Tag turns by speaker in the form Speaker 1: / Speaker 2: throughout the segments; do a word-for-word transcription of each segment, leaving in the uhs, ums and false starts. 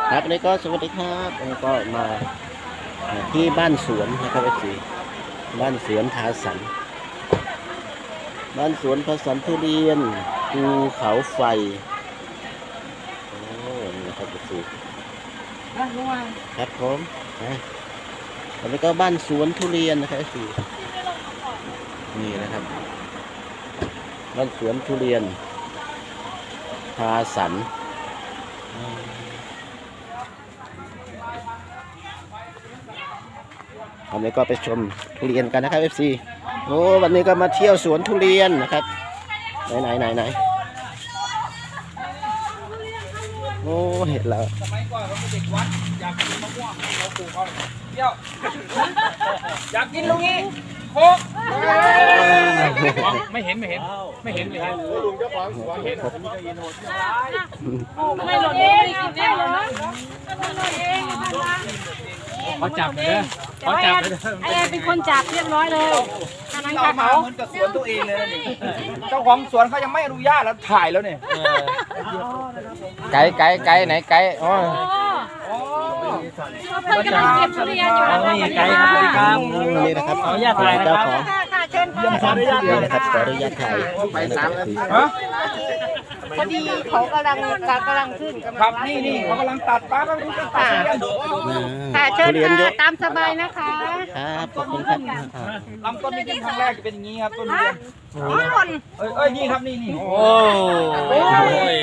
Speaker 1: ครับวันนี้ก็สวัสดีครับวันนี้ก็มาที่บ้านสวนนะครับเอฟซีบ้านสวนทาสันบ้านสวนทาสันทุเรียนภูเขาไฟโอ้นี่นะครับเอฟซีครับผมวันนี้ก็บ้านสวนทุเรียนนะครับเอฟซีนี่นะครับบ้านสวนทุเรียนทาสันวันนี้ก็ไปชมทุเรียนกันนะครับ เอฟ ซี โอ้วันนี้ก็มาเที่ยวสวนทุเรียนนะครับไหนไหนไหนไหนโอ้เห็นแล้ว
Speaker 2: สมัยก่อนเราเป็นเด็กวัดอยากกินมะม่วงเราปลูกเอาเที่ยวอยากกินลูกนี้โคกไม่เห็นไม่เห็นไม่เห็นเลยลุงเจ้าของสวนเห็น
Speaker 3: ไม่หล่นเองกินแน่เลยนะ
Speaker 2: เขาจับเลยเขาจับเลย
Speaker 3: ไอ้เป็นคนจับเรียบร้อยเลย
Speaker 2: เรามาเหมือนกับสวนตัวเองเลยนี่เจ้าของสวนเขายังไม่อนุญาตแล้วถ่ายแล้วเนี่ย
Speaker 1: ไก่ไก่ไก่ไหนไก่อ๋อ
Speaker 3: เพิ่งกำลังเก็บทุเรียนอยู่
Speaker 2: นี่ไก่ครับ
Speaker 1: นี่นะครับขออนุญาตถ่ายเจ้าของขออนุญาตถ่ายนะครับขออนุญาตถ่ายไปสามนาที
Speaker 3: พอดีเขากำลังกำลังขึ้น
Speaker 2: ครับนี่นี่เขากำลังตัดป้าก็ดูตัด
Speaker 3: ค่ะเชิญค่ะตามสบายนะคะ
Speaker 1: ครับขอบคุณครับ
Speaker 2: ลำต้นนี้เป็นครั้งแรกจะเป็นอย่างนี้ครับต้นเรียนเอ้ยเอ้ยนี่ครับนี่นี่โอ้
Speaker 1: ย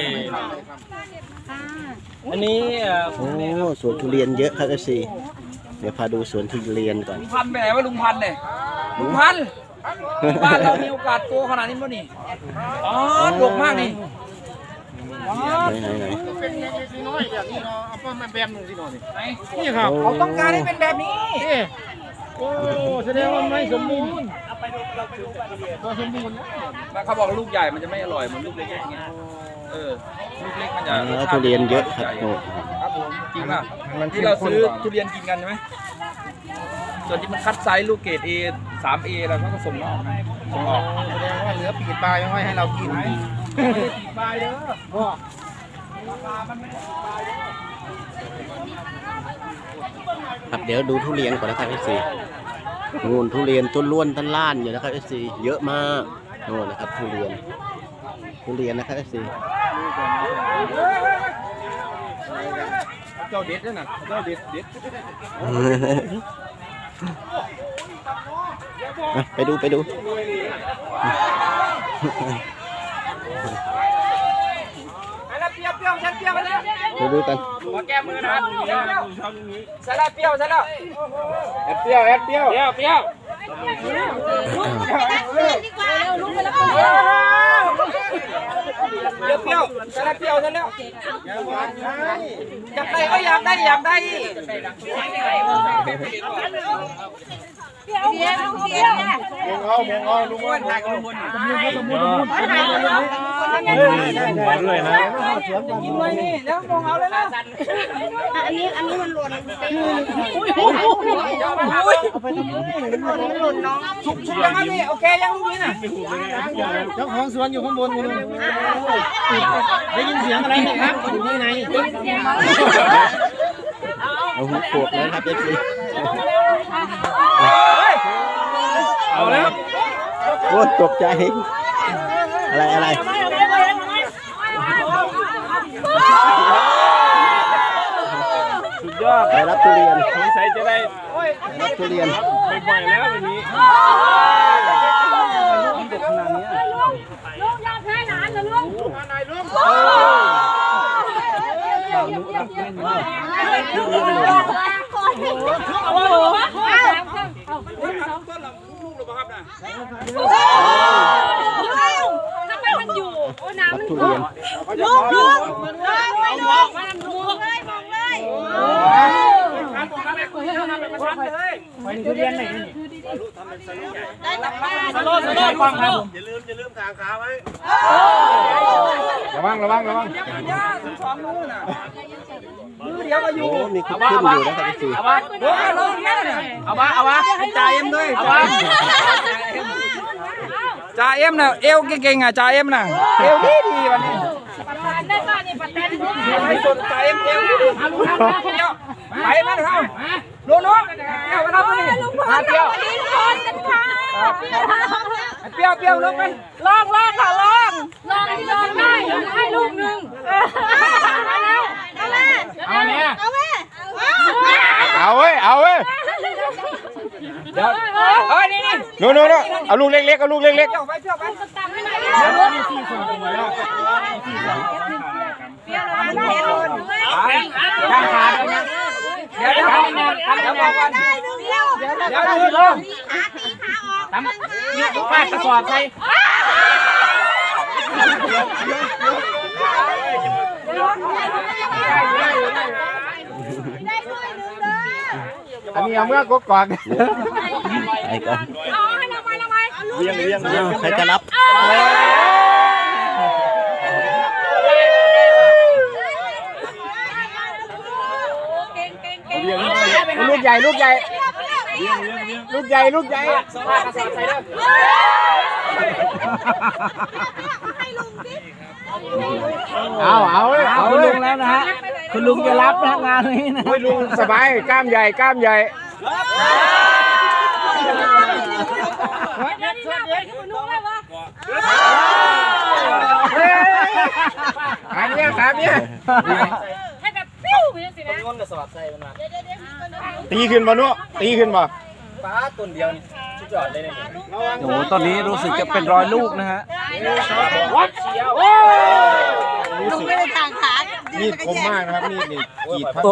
Speaker 1: อันนี้โอ้สวนทุเรียนเยอะครับเอฟซีเดี๋ยวพาดูสวนทุเรียนก่อน
Speaker 2: ลุงพันไปไหนวะลุงพันเนี่ยลุงพันบ้านเรามีโอกาสโตขนาดนี้มั้ยนี่อ๋อดกมากนี่
Speaker 1: ไหนไหน
Speaker 2: เป็นเล็กๆน้อยแบบนี้เนาะเอาป้อมมาแบมหนึ่งสิหน่อยนี่ครับเขาต้องการให้เป็นแบบนี้โอ้แสดงว่าไม่สมบูรณ์ไปดูเราไปดูกันตัวสมบูรณ์แล้วเขาบอกลูกใหญ่มันจะไม่อร่อยเหมือนลูกเล็กอย่างเงี้ยเออลูกเล็กมันจะ
Speaker 1: ทุเรียนเยอะครับ
Speaker 2: ครับผมจริงป่ะที่เราซื้อทุเรียนกินกันใช่ไหมส่วนที่มันคัดไซส์ลูกเกรด เอ สาม เอ แล้วก็ส่งนอกส่งออกแสดงว่าเหลือปีกปลายไม่ให้เรากินปีกปลายเด้อพ่อ
Speaker 1: ครับเดี๋ยวดูทุเรียนก่อนนะครับเอฟซีงูนทุเรียนต้นล้วนต้นล้านอยู่นะครับเอฟซีเยอะมากโน่นนะครับทุเรียนทุเรียนนะครับเอฟซี
Speaker 2: เจ้าเด็ดด้วยนะเจ้าเด็ดเด็ด
Speaker 1: ไปดูไปดูไปดูกัน
Speaker 2: มาแก้มือนะใส่ละเปรี้ยวใส่ละแอดเปรี้ยวแอดเปรี้ยวเปรี้ยวเปรี้ยวเร็วลุกไปแล้วเปรี้ยวเปรี้ยวใส่ละเปรี้ยวใส่แล้วอยากได้ก็อยากได้อยากได้เดี๋ยวเดี๋ยวเดี๋ยวมองเอามองเอาลุงว่าถ่ายกับลุงบนลุงบนลุงบนลุงบนด้วยนะกินไว้นี่แล้วมองเอาเลยนะ
Speaker 3: อันนี้อันนี้มันหล่นอุ้ย
Speaker 2: เอาไปทำไม
Speaker 3: มันหล่นน้อง
Speaker 2: สุกสุกยังนี่โอเคยังลูกนี้น่ะเจ้าของสวนอยู่ข้างบนคุณได้ยินเสียงอะไรไหมครับอยู่ที่ไหน
Speaker 1: เอาหูปวดแล้วครับเอฟซี
Speaker 2: เอาแล้ว
Speaker 1: โอ้ตกใจอะไรอะไร
Speaker 2: สุดยอด
Speaker 1: ไปรับทุเรียน
Speaker 2: สงสัยจะได้
Speaker 1: รับทุเรียน
Speaker 2: บ่อยๆแล้ววันนี้มันตกขนาดนี้
Speaker 3: ลุงยอมแพ้หนานเหรอลุง
Speaker 2: ลุงนายลุง
Speaker 3: ทำไมมันอยู่โอ้น้ำมัน
Speaker 1: ทุเรียน
Speaker 3: ลุงลุงไม่ลงมันมองเลยมองเลย
Speaker 2: ไปทุเรียนไหนนี่
Speaker 3: ได้ตักบ้าน
Speaker 2: สโลสโลฟังครับ
Speaker 4: อย่าลืมอย่าลืมทางขาไว้
Speaker 2: ระวังระวังระวังย่าถึงสองนู้นน่ะมือเดียวก็อยู่
Speaker 1: มีขึ้นอยู่นะครับพี่
Speaker 2: เอาวะเอาวะเอาวะจ่าเอ็มด้วยเอาวะจ่าเอ็มน่ะเอวเก่งๆอ่ะจ่าเอ็มน่ะเอวดีดีวันนี้
Speaker 3: ประธานได้ป่ะนี่
Speaker 2: ไปสนใจเพียงเอาลุงทำเที่ยวไปมาเถอะลุงน้องเที่ยวมาทำนี่มาเที่ยวเปรี้ยวเปรี้ยวลงไป
Speaker 3: ลองลองค่ะลองลองลองได้ให้ลูกหนึ่งเอาแล้วเอาแม่
Speaker 2: เอาเนี่ย
Speaker 3: เอาแม่
Speaker 4: เอาเว้ยเอาเว้ย
Speaker 2: เดี๋ยวเฮ้ยนี่นี่
Speaker 4: โน่นโน่นเอาลูกเล็กๆเอาลูกเล็ก
Speaker 2: เที่ยวไปเที่ยวไป
Speaker 3: ตังไม่ได้
Speaker 2: เดี๋ยวเดี๋ยวมีสี่ส่วนตรงไหนแล้ว
Speaker 3: เปรี้ยวแล้วนะเห็นเลย
Speaker 2: ข้างขาเดี๋ยวเดี๋ยวเดี๋ยวเดี๋ยวบอกกัน
Speaker 3: ได้หนึ่งเดียว
Speaker 2: เดี๋ยวเดี๋ยวดูลง
Speaker 3: ขาตีขาออก
Speaker 2: ทำยืดฟาดกระสอบใส่
Speaker 3: ได้ด้วยหนึ่งเด้อ
Speaker 4: ๆอันนี้เอาเมื่อกกอก
Speaker 1: ไอ้ก่อน
Speaker 3: เอาให้น้องไม้น้องไม้
Speaker 4: เลี้ยงเลี้ยง
Speaker 1: อ้าวใครจะรับ
Speaker 3: เก่งเก่งเก่ง
Speaker 4: เลี้ยงลูกใหญ่ลูกใหญ่ลูกใหญ่ลูกใหญ่
Speaker 2: ฟาดกระสอบใส่เลย
Speaker 3: ให้ลุงสิ
Speaker 4: เอาเอาเว้ยเอา
Speaker 2: คุณ
Speaker 4: เว้
Speaker 2: ลุ
Speaker 4: ย
Speaker 2: งแล้วนะฮะคุณลุงจะรับนะงานนี้นะ
Speaker 4: โอ้ยลุงสบายกล้ามใหญ่กล้ามใหญ่
Speaker 3: เดี๋ยวนี้ไปที่ลุงเลยวะ
Speaker 4: ขาเนี้ยขาเนี้ย
Speaker 3: ให้แบบปิ้วไปสินะ
Speaker 2: ต้นกระสอบใส่มันมา
Speaker 4: ตีขึ้นมานุตีขึ้นมา
Speaker 2: ฟ้าต้นเดียวนี่ชุดยอดเลยเนี่ย
Speaker 5: โอ้โหตอนนี้รู้สึกจะเป็นรอยลูกนะฮะ
Speaker 2: วัดเชียว
Speaker 3: ลุงไม่ได้ทางขา
Speaker 4: มีดคมมากนะครับมีดนี่กรีดพัด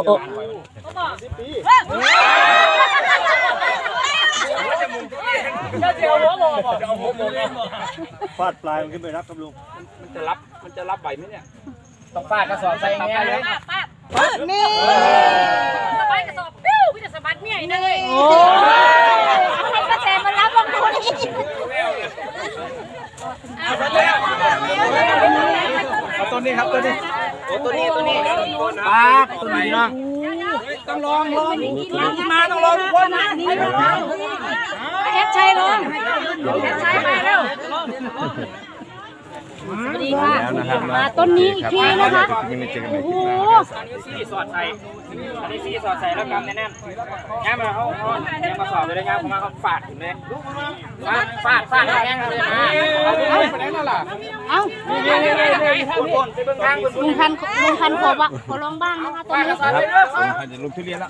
Speaker 2: เจียวหัวโมบอกจะเอาหัวโม
Speaker 5: ฟาดปลายมันขึ้นไปรับกับลุง
Speaker 2: มันจะรับมันจะรับไหวไหมเนี่ยต้องฟาดกระสอบใส่แง่เลย
Speaker 3: ป้าป้านี่สบายกระสอบปิ้วพี่จะสะบัดเนี่ยเลยโอ้ให้กระแสมันรับลงทุนอีก
Speaker 5: เอาตัวนี้ครับตัวนี้
Speaker 2: ตัวนี้ตัวนี้
Speaker 5: ปลาตัวนี้เนาะ
Speaker 2: ต้องลองลองลองมาต้องลองทุกคนนะ
Speaker 3: เฮ็ดชัยลงเฮ็ดชัยมาเร็วดีค่ะมาต้นนี้อีกทีนะคะ
Speaker 4: ยังไม่เจอกัน
Speaker 3: โอ้โห
Speaker 2: อันนี้ซี่สอดใส่อันนี้ซี่สอดใส่แล้วกำแน่นๆง่ายมาเขาเขายังมาสอบเลยนะง่ายผมมาเขาฟาดถึงเลยฟาดฟาดฟาดแรงเลยนะเอาไปไหนนั่นล่ะ
Speaker 3: เอ้า
Speaker 2: นี่นี่นี่นี่คุณคนไปเบื้องทางคุณ
Speaker 3: ลุงพันลุงพันขอบ้างขอลองบ้างนะคะต้นนี้
Speaker 2: ฟาดไปเรื่อย
Speaker 4: อาจจะลุกทุเรียนแล้ว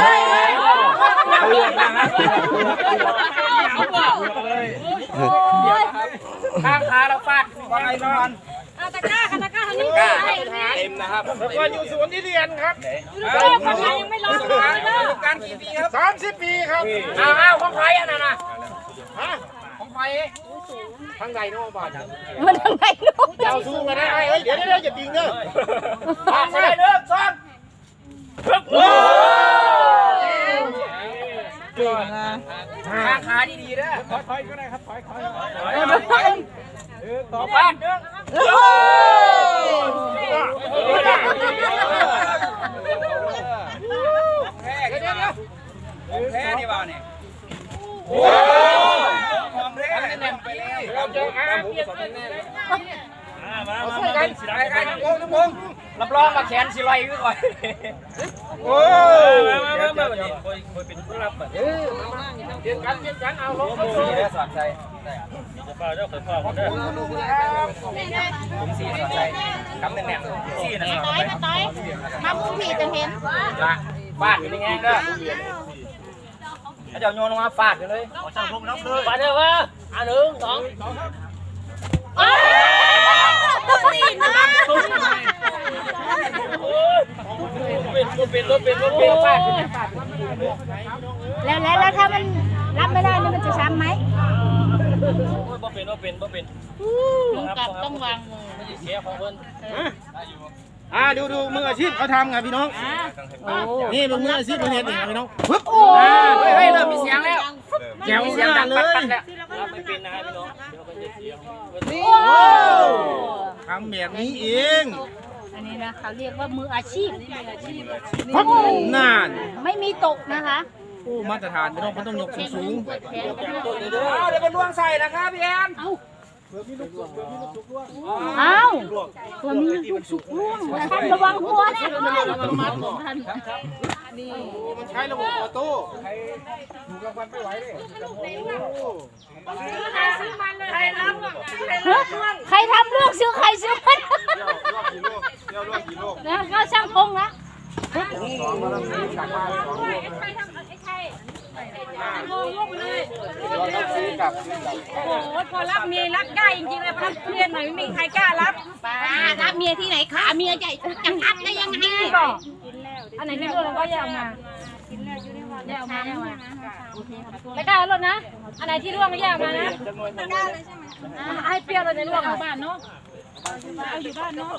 Speaker 2: ข้างขาเราฟาดว่าไงนอน
Speaker 3: เอาตะกร้าค่ะตะกร้าทางนี้
Speaker 2: เต็มนะครับแล้วก็อยู่สวนที่เรียนครับ
Speaker 3: เริ่มทำงานยังไม่ร้อนเลยเด้อ
Speaker 2: การกี่ปีครับ
Speaker 4: สามสิบปีครับ
Speaker 2: อ้าวอ้าวของใครอ่ะน่ะนะของใคร
Speaker 4: ทั้งใดโน่บาท
Speaker 3: มันทางไหนลูก
Speaker 4: เจ้าสู้กันได้เฮ้ยเดี๋ยวเดี๋ยวอย่าติงเด้อ
Speaker 2: ฟาดใส่เด้อซ้อนเก่งนะข้างขาดีๆนะถอยๆก็ได้ครับถอยๆถอยๆต่อฟาดเด้อแพ้กันนะแพ้ดีบ่าเนี่ยโอ้ของแท้แน่นไปแล้วเราเจออาเปียกแน่เลยมามามากันสิได้กันทุกคนทุกคนรับรองมาแขนสิลอยขึ้นก่อนโอ้มามามามาคอยคอยเป็นผู้รับเออมาเปลี่ยนกันเปลี่ยนกันเอาลงมาสีได้สอดใจจะฟ้าเจ้าเคยฟ้าผมได้ผมสีสอดใจคำแน่นๆสีนะ
Speaker 3: ต้อยมาต้อยมามุมผีจะเห็น
Speaker 2: ละฟาดอยู่ในแง่เด้อถ้าเจ้าโยนลงมาฟาดกันเลยขอช่างพงนับเลยฟาดเด้อวะอ่ะหนึ่งสอง
Speaker 3: นี่นะ
Speaker 2: เป็นรถเป็นรถเป็นรถฟาด
Speaker 3: แล้วแล้วแล้วถ้ามันรับไม่ได้มันจะช้ำไหม
Speaker 2: บ่เป็นบ่เป็นบ่เป็น
Speaker 3: ลุงกับต้องวางมือ
Speaker 2: ไม่เสียของเพิ่น
Speaker 5: อ่าดูดูมืออาชีพเขาทำไงพี่น้องนี่เป็นมืออาชีพประเทศนี่พี่น้องปึ๊บ
Speaker 3: โอ้
Speaker 2: เฮ้ยเริ่มมีเสียงแล้ว
Speaker 5: แจ๋ว
Speaker 2: เสียงดัง
Speaker 5: เล
Speaker 2: ปั
Speaker 5: ย
Speaker 2: ดแล้วรับไม่เป็นนะพี่น้องเดี๋ยวก็จะเสียง
Speaker 5: ทำแบบนี้เอง
Speaker 3: อันนี้นะเขาเรียกว่ามืออาชีพ
Speaker 5: ปึ๊บนาน
Speaker 3: ไม่มีตกนะคะ
Speaker 5: โอ้มาตรฐานพี่น้องเขาต้องยกสูง
Speaker 3: แขน
Speaker 2: เดี๋ยวเป็นดวงใส่นะครับพี่แอน
Speaker 3: เอาอ้าวตัวมีลูกสุกร่วงท่านระวังหัวนะ
Speaker 5: มันใช้ระบบออโต้
Speaker 3: ใครทำลูกซื้อใครซื้อมัน
Speaker 5: เดี๋ยวรอกี่โลก
Speaker 3: นะก็ช่างพงนะโอ้โหพอรับเมียรับได้จริงๆเลยพอรับเมียหน่อยไม่มีใครกล้ารับรับเมียที่ไหนคะเมียใหญ่จะรับได้ยังไงบอกอันไหนที่ร่วงเราก็แยกมาแยกมาแยกมาไม่กล้าลดนะอันไหนที่ร่วงก็แยกมานะไม่กล้าเลยใช่ไหมให้เปรี้ยวเลยในร่วงบ้านเนาะเอาอยู่บ้านเนาะ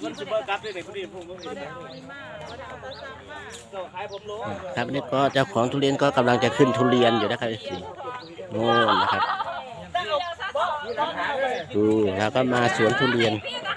Speaker 1: ครับนี่ก็เจ้าของทุเรียนก็กำลังจะขึ้นทุเรียนอยู่นะครับสิโน่นนะครับดูแล้วก็มาสวนทุเรียน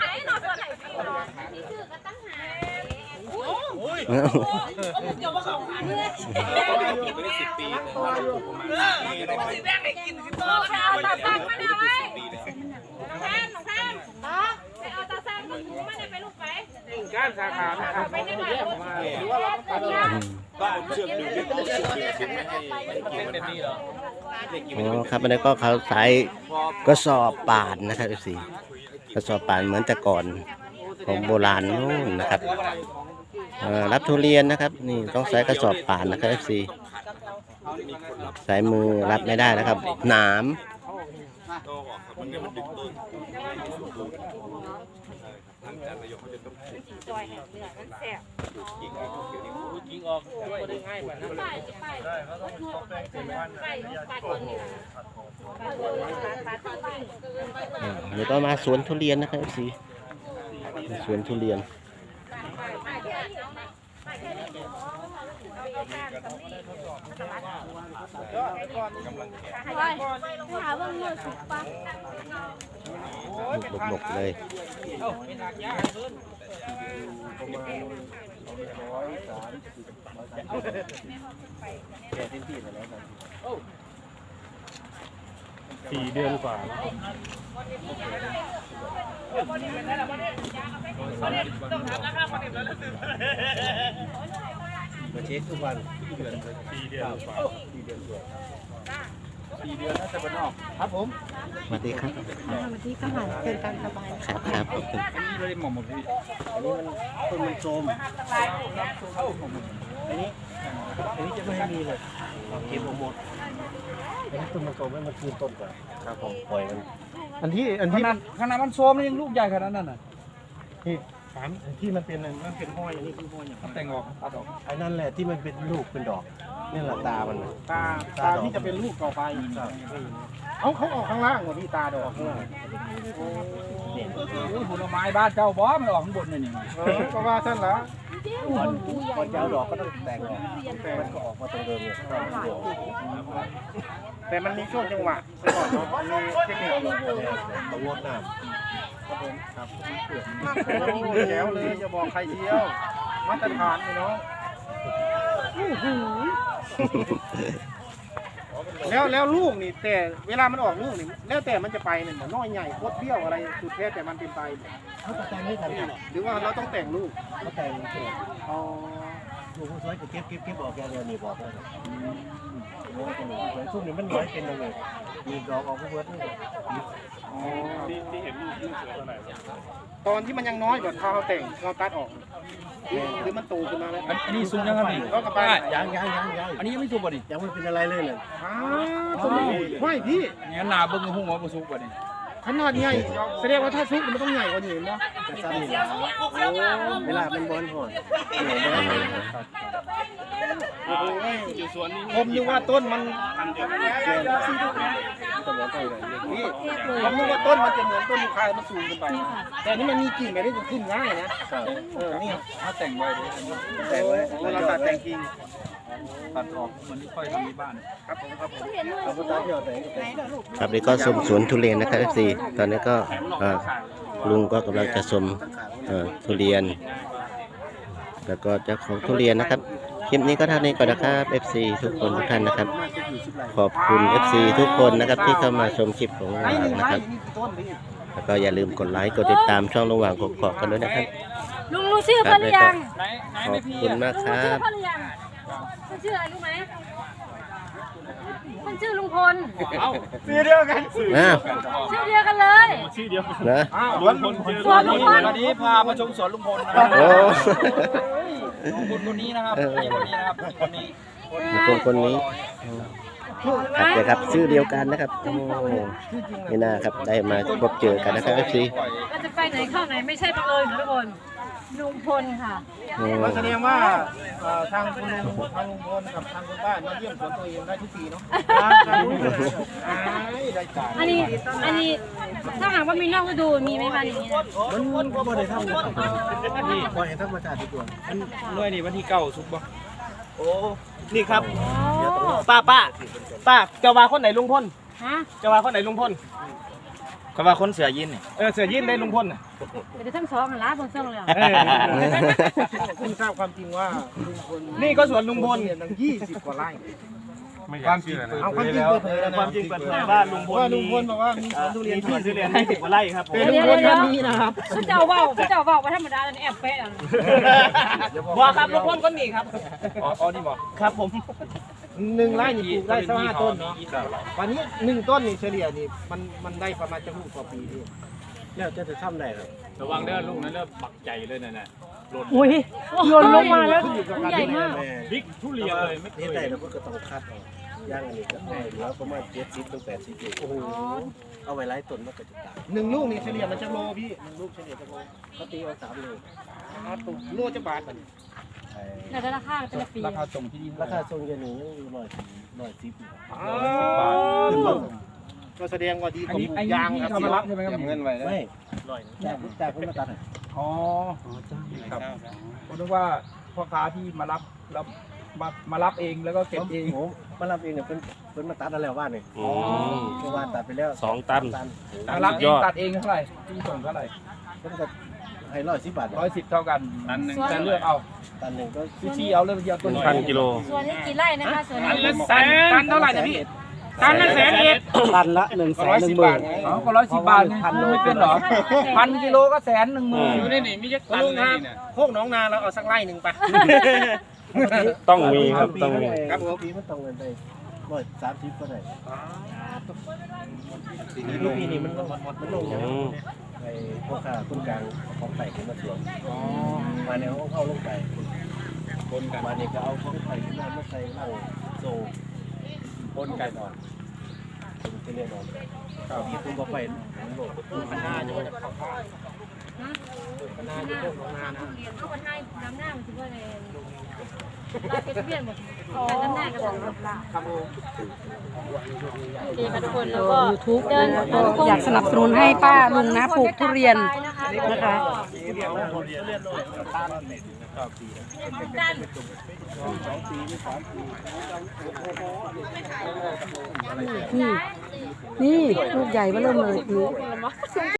Speaker 2: การสาขานะครับไปได้ไหมหรือว่าเราต้องตัดก็เอาเชือกดึงเชือกดึงเชือกไม่ให้เป็นนี่หรอ
Speaker 1: อ๋อครับอันนี้ก็เขาใช้กระสอบป่านนะครับสิกระสอบป่านเหมือนแต่ก่อนของโบราณนู่นนะครับรับทุเรียนนะครับนี่ต้องใช้กระสอบป่านนะครับสิใช้มือรับไม่ได้นะครับหนามเดี๋ยวก็มาสวนทุเรียนนะครับสิสวนทุเรียนหลบๆเลย
Speaker 5: สี่เดือนกว่ามาเช็คทุกวันสี่เดือนกว่าสี่เดือนกว่าสี่เดือนน่าจะเป็นออกครับผม
Speaker 1: สวัสดีครับสวัสดีค่ะเชิญตามสบายครับครับขอบคุณ
Speaker 2: อันนี้เลยหมอหมดพี่
Speaker 5: อันนี้มันต้นมันโทรมอันนี้อันนี้จะไม่ให้มีเลยเก็บหมดอันนี้ต้นมันโทรมให้มันคืนต้นก่อนครับผมปล่อยมันอันที่อัน
Speaker 2: ข
Speaker 5: ที่
Speaker 2: นาดขนาดมันโซมยังลูกใหญ่ขนาดนั้นน่ะ
Speaker 5: ที่สามอันที่มันเป็นมันเป็นห้อยอันนี้คือห้อยอย่าง
Speaker 2: แต่งออกตัดออก
Speaker 5: ไอ้นั่นแหละที่มันเป็นลูกเป็นดอกนี่แหละตามันตาตาที่จะเป็นลูกต่อไปเอาเขาออกข้างล่างหมดที่ตาดอกข้างล่าง
Speaker 2: ผลไม้บ้านเจ้าบอสมันออกข้างบนเลยนี่
Speaker 5: ก็ว่าท่านละก่อนก่อนจะเอาดอกก็ต้องแต่งออกแต่มันก็ออกมาตรงเดิมเนี่ยแต่มันมีช่วงจังหวะไปก่อนเนาะมีเทคนิคต้องงดน้ำครับผมครับแจ๋วเลยจะบอกใครเที่ยวมาตรฐานเลยเนาะแล้วแล้วลูกนี่แต่เวลามันออกลูกนี่แล้วแต่มันจะไปเนี่ยน้อยใหญ่โคตรเบี้ยวอะไรสุดแท้แต่มันเป็นไปเขาแต่งให้ทันหรือว่าเราต้องแต่งลูกเขาแต่งลูกอ๋อลูกสวยก็เก็บเก็บเก็บออกแกเดียวนี่บอกเลยโอ้ตัวสวยซุ้มนี่มันน้อยเป็นยังไงมีดอกออกเพื่อนนี่อ๋อที่ที่เห็นลูกลูกสวยตอนไหนตอนที่มันยังน้อยแบบเขาแต่งเราตัดออกหรือมันโตขึ้นมาแล้ว
Speaker 2: อันนี้ซุงยังไงพี่
Speaker 5: ก็กระป๋า
Speaker 2: ยังยังยังยังอันนี้ยังไม่สุกป่ะนี่
Speaker 5: ยังไม่เป็นอะไรเลยเลยอ้าวไม่พี่
Speaker 2: งั้นนาเบิ้งหุ้งว่าบ่สุกป่ะนี่
Speaker 5: ขนาดใหญ่แสดงว่าถ้าซุกมันต้องใหญ่กว่านี้เนาะเวลาเป็นบอลหอยผมนึกว่าต้นมันนี่ผมนึกว่าต้นมันจะเหมือนต้นยูคามันสูงขึ้นไปแต่นี่มันมีกิ่งแบบนี้จะขึ้นง่ายนะเออนี่
Speaker 2: ถ้าแต่งไว้ดิ
Speaker 5: แต่งไว้เราตัดแต่งกิ่ง
Speaker 2: ตัดออกมันไม่ค่อยทำที่บ้าน
Speaker 5: ครับผมครับผมเราก็ตัดยอดแต่ง
Speaker 1: ครับนี่ก็ชมสวนทุเรียนนะครับสิตอนนี้ก็เอ่อลุงก็กำลังจะชมเอ่อทุเรียน แล้วก็เจ้าของทุเรียนนะครับคลิปนี้ก็เท่านี้ก่อนนะครับ เอฟ ซี ทุกคนทุกท่านนะครับ ขอบคุณ เอฟ ซี ทุกคนนะครับที่เข้ามาชมคลิปของเรานะครับ แล้วก็อย่าลืมกดไลค์กดติดตามช่องระหว่างกกอกกันด้วยนะครับ
Speaker 3: ลุงรู้ชื่อเขาหรือยัง
Speaker 1: ขอบคุณมากค
Speaker 3: ลุง
Speaker 1: รั
Speaker 3: รู้ชื่อบ เขาหรือยังเขาชื่ออะไรรู้ไหมมันชื่อลุงพล
Speaker 5: ชื่อเดียวกัน
Speaker 1: อ้าว
Speaker 3: ชื่อเดียวกันเลย
Speaker 1: นะ
Speaker 5: สวนลุงพล
Speaker 3: สวนลุงพล
Speaker 2: วันนี้พามาชมสวนลุงพลนะครับ
Speaker 1: โอ้
Speaker 2: ลุงพลคนนี้นะครับนี่คนนี้นะครับคนนี้
Speaker 1: คนคนนี้ครับเดี๋ยวครับชื่อเดียวกันนะครับโอ้นี่นะครับได้มาพบเจอกันนะครับ เอฟ ซี
Speaker 3: เราจะไปไหนเข้าไหนไม่ใช่บังเอิญทุกคนลุงพลค่ะ
Speaker 5: มันแสดงว่าเอ่อทางคุณลุงทางลุงพลกับทางคุณป้ามาเยี่ยมสวนตัวเองได้ทุกปีเนาะได้จ่าย
Speaker 3: อันนี้อันนี้ถ้าหากว่ามีนอกฤดูมีไหมคะอย่างนี้นะ
Speaker 5: มันมันก็บ่ได้ทำเลยนี่ปล่อยให้ธรรมชาติดีกว่า
Speaker 2: หน่วยนี่วันที่เก้าสุกบ่
Speaker 5: โอ้นี่ครับป้าป้าป้าจะว่าคนไหนลุงพล
Speaker 3: ฮะ
Speaker 5: จะว่าคนไหนลุงพล
Speaker 2: เขาว่าคนเสือยินนี่
Speaker 5: เออเสือยินได้ลุงพลน่ะ
Speaker 3: เดี๋ยวทั้งสองหันล้าบนเสื้อเลย
Speaker 5: คุณทราบความจริงว่าลุงพลนี่ก็สวนลุงพลเนี่ยตั้งยี่สิบกว่าไร่
Speaker 2: ความจริง
Speaker 5: เอาความจริงเปิดเผยแล้วนะ
Speaker 2: ความจริงเปิดเผยว่าลุงพล
Speaker 5: ว่าลุงพลบอกว่ามีสวนทุเรียน
Speaker 2: มีทุเรียนยี่สิบกว่าไร่ครับผม
Speaker 5: เป็นลุงพลท่านนี้นะครับ
Speaker 3: พระเจ้าว่าวพระเจ้าว่าวว่าธรรมดาเลยแอบเป๊ะ
Speaker 5: บอกครับลุงพลก็มีครับ
Speaker 2: อ๋ออ๋อนี่บอก
Speaker 5: ครับผมหนึ่งไร่นี่ปลูกได้สักห้าต้นเนาะวันนี้หนึ่งต้นนี่เฉลี่ยนี่มันมันได้ประมาณจะลูกต่อปีนี่แล้วจะจะทำได้ครับ
Speaker 2: ระวังเด้อลูกนั้นเริ่มปักใจเลยนะน่ะหล่น
Speaker 3: อุ้ยหล่นลงมาแล้วใหญ่มาก
Speaker 2: บิ๊กทุเรียนเลยไม่เค
Speaker 5: นี่
Speaker 2: ย
Speaker 5: ได้เราก็ต้องคัดเอาย่างอันนี้ก็ได้เหลือประมาณเจ็ดสิบถึงแปดสิบลูกโอ้โหเอาไว้ไล่ต้นมันก็จะตายหนึ่งลูกนี่เฉลี่ยมันจะโลพี่หนึ่งลูกเฉลี่ยจะโลเขาตีเอาสามโลโลจะบาทมัน
Speaker 3: แต่ละราคาแต่ละปี
Speaker 2: ราคาส่งที่ดี
Speaker 5: ราคาทรงเยนูยังอยู่ร้อยร้อยสิบ
Speaker 2: บาท
Speaker 5: ก็แสดงว่าดี
Speaker 2: อัน
Speaker 5: กว่า
Speaker 2: นี้
Speaker 5: ปลู
Speaker 2: อัน
Speaker 5: ก
Speaker 2: นี้
Speaker 5: ยาง
Speaker 2: ที่
Speaker 5: ครับ
Speaker 2: เขามารับใช่ไหมครับเงินไว้
Speaker 5: ไม่ร้อยแต่แต่เพิ่งมาตัด
Speaker 2: อ๋อครับผมนึกว่าพ่อค้าที่มารับแล้วมามารับเองแล้วก็เก็บเอง
Speaker 5: ผมมารับเองเนี่ยเป็นเป็นมาตัดแล้วว่านี่
Speaker 1: อืม
Speaker 5: เพราะว่าตัดไปแล้ว
Speaker 1: สองตัน
Speaker 2: มารับเองตัดเองเท่าไหร่ที่ส่งเท่าไหร่
Speaker 5: เพิ่งก็ให้ร้อยสิบบาท
Speaker 2: ร้อยสิบเท่ากันตันหนึ่งจะเลือกเอา
Speaker 5: ตันหนึ่งก็
Speaker 2: ชี้เอาเลือกเดียวตัวหนึ่ง
Speaker 1: พันกิโล
Speaker 3: ส่วนนี้กี่ไร่นะคะส่วนนี้
Speaker 2: ตันตันเท่าไหร่นะพี่ตันละแสนเอ็ด
Speaker 5: ตันละหนึ่งแสนหนึ่งหมื่น
Speaker 2: อ๋อก็ร้อยสิบบาทพันไม่เป็นหรอพันกิโลก็แสนหนึ่งหมื่น
Speaker 1: อยู่ในนี่
Speaker 2: มีจักตันเลยนี่
Speaker 5: โคกน้องนาเราเอาสักไร่หนึ่งไป
Speaker 1: ต้องมีครับต้องมี
Speaker 5: ครับผมปีมันต้องเงินไปร้อยสามสิบก็ได้ลูกปีนี้มันมันลงอย่าง
Speaker 1: อืม
Speaker 5: ไอ้พวกข้าต้นกลางของไต่ขึ้นมาสวนมาในห้องเข้าลงไป
Speaker 2: บนกัน
Speaker 5: มาเนี่ยก็เอาของไต่ขึ้นมามาใส่เหล้าโซ่
Speaker 2: บนกัน
Speaker 5: นอนจะเรียนนอนมีคุณก็ไปมันโหลดพันห้าจะว่าจะเข้าข้างพันห้าจะพวกน้องนานะ
Speaker 3: เอาวันหน้าน้ำหน้ามันถือว่าอะไรลาเป็นเปลี่ยนหมดน้ำหน้ากับของเรา
Speaker 5: ครับผม
Speaker 3: ดีค่ะทุกคนแล้วก็
Speaker 6: ยูทูบอยากสนับสนุนให้ป้าลุงนะปลูกทุเรียนนะคะ นี่ นี่ลูกใหญ่มาเริ่มเลยนี่